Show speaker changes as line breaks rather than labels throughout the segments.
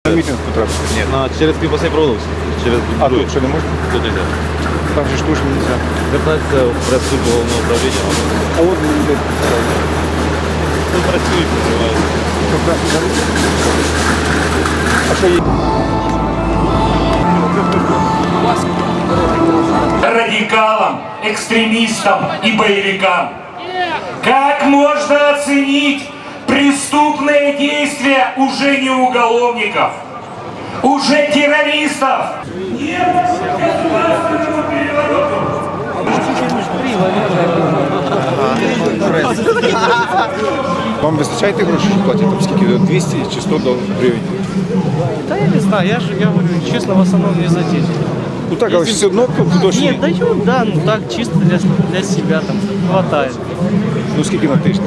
На мітинг потрапити? Ні.
Через Півбасей проводився. Через
А тут що не можна?
Тут не.
Там же ж точно не можна.
Звертатися в прес-службу головного управління.
А от люди.
Тут працюють, називають.
А що є?
Радикалам, экстремистам и боевикам. Как можно оценить преступные действия уже не уголовников, уже террористов? Нет государственному перевороту.
Вам вистачає тих грошей, що платять? Там скільки? 200 чи 100 гривень?
Да я не знаю, я говорю, честно, в основном не за деньги.
Ну так, але все одно дощ.
Нет, дают, да, ну так, чисто для себя там хватает.
Ну скільки на тиждень?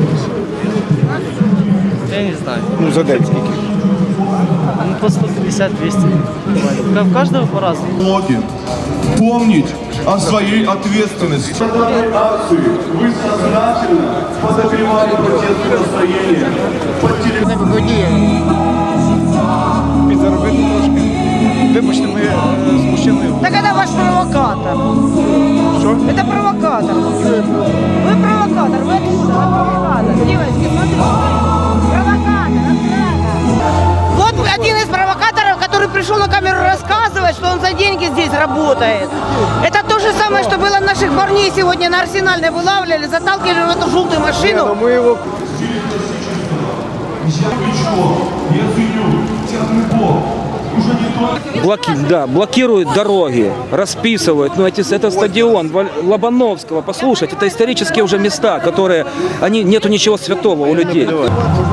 Я не знаю,
Ну за день скільки?
ну по 150-200. У каждого по-разному.
Ноги. Помнить о своей ответственности. В этой акции вы сознательно подогревали протестное настроение под телевизором.
Підзаробити трошки. Вибачте, ми з мужчиною.
Так это ваш провокатор.
Що?
Это провокатор. Вы провокатор. Вы откуда? Вы провокатор. Девочки, смотрите. Провокатор. Вот один из провокаторов, который пришел на камеру рассказывать, что он за деньги здесь работает. Это то же самое, что было наших парней сегодня на Арсенальной вылавливали, заталкивали в эту желтую машину.
Ми його...
Блокируют дороги, расписывают. Ну, это стадион Лобановского. Послушайте, это исторические уже места, которые, нету ничего святого у людей.